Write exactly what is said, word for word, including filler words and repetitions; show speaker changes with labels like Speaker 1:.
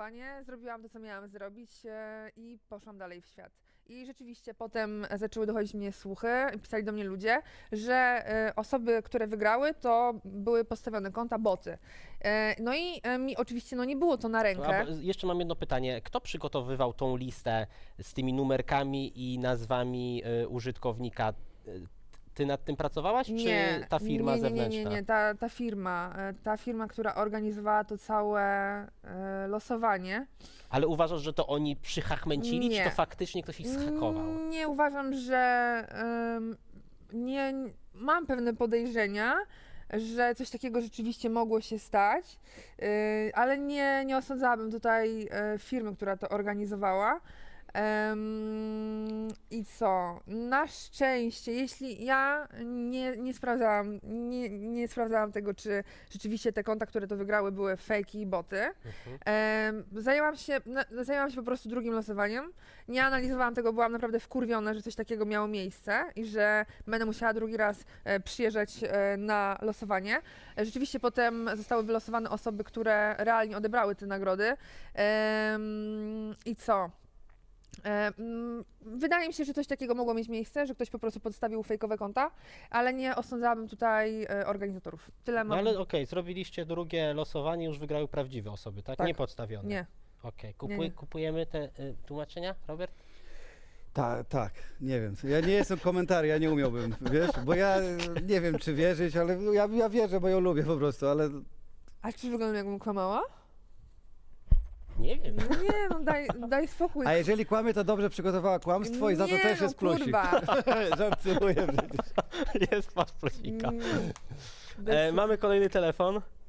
Speaker 1: losowanie, zrobiłam to, co miałam zrobić e, i poszłam dalej w świat. I rzeczywiście potem zaczęły dochodzić mnie słuchy, pisali do mnie ludzie, że e, osoby, które wygrały, to były postawione konta boty. E, no i e, mi oczywiście no, nie było to na rękę.
Speaker 2: A, jeszcze mam jedno pytanie. Kto przygotowywał tą listę z tymi numerkami i nazwami y, użytkownika? Y, Ty nad tym pracowałaś,
Speaker 1: Nie,
Speaker 2: czy ta firma
Speaker 1: nie, nie, nie,
Speaker 2: zewnętrzna?
Speaker 1: nie, nie, ta, ta firma, e, ta firma, która organizowała to całe e, losowanie.
Speaker 2: Ale uważasz, że to oni przychachmęcili,
Speaker 1: Nie.
Speaker 2: czy to faktycznie ktoś ich zhakował?
Speaker 1: Mm, Nie uważam, że em, nie, mam pewne podejrzenia, że coś takiego rzeczywiście mogło się stać, y, ale nie, nie osądzałabym tutaj e, firmy, która to organizowała. Em, I co? Na szczęście, jeśli ja nie, nie sprawdzałam, nie, nie sprawdzałam tego, czy rzeczywiście te konta, które to wygrały, były fake i boty.
Speaker 2: Mhm.
Speaker 1: Em, zajęłam się, na, zajęłam się po prostu drugim losowaniem. Nie analizowałam tego, byłam naprawdę wkurwiona, że coś takiego miało miejsce i że będę musiała drugi raz e, przyjeżdżać e, na losowanie. E, rzeczywiście potem zostały wylosowane osoby, które realnie odebrały te nagrody. Em, I co? E, mm, Wydaje mi się, że coś takiego mogło mieć miejsce, że ktoś po prostu podstawił fejkowe konta, ale nie osądzałabym tutaj e, organizatorów. Tyle
Speaker 2: No
Speaker 1: mam.
Speaker 2: ale okej, zrobiliście drugie losowanie, już wygrały prawdziwe osoby, tak?
Speaker 1: Tak.
Speaker 2: Nie podstawione.
Speaker 1: Nie.
Speaker 2: Okej,
Speaker 1: Nie,
Speaker 2: Kupuj,
Speaker 1: nie.
Speaker 2: kupujemy te y, tłumaczenia, Robert?
Speaker 3: Tak, tak, nie wiem. Ja nie jestem komentarzy, ja nie umiałbym, wiesz, bo ja nie wiem, czy wierzyć, ale ja, ja wierzę, bo ją lubię po prostu, ale
Speaker 1: A czy wyglądam jakbym kłamała?
Speaker 2: Nie wiem.
Speaker 1: No nie, no daj, daj spokój.
Speaker 3: a jeżeli kłamie, to dobrze przygotowała kłamstwo i za to
Speaker 1: Nie,
Speaker 3: też
Speaker 1: no
Speaker 3: jest plusik.
Speaker 1: kurwa.
Speaker 3: Żartuję przecież.
Speaker 2: Jest masz plusika.
Speaker 1: Mm,
Speaker 2: E,
Speaker 1: bez-
Speaker 2: mamy kolejny telefon.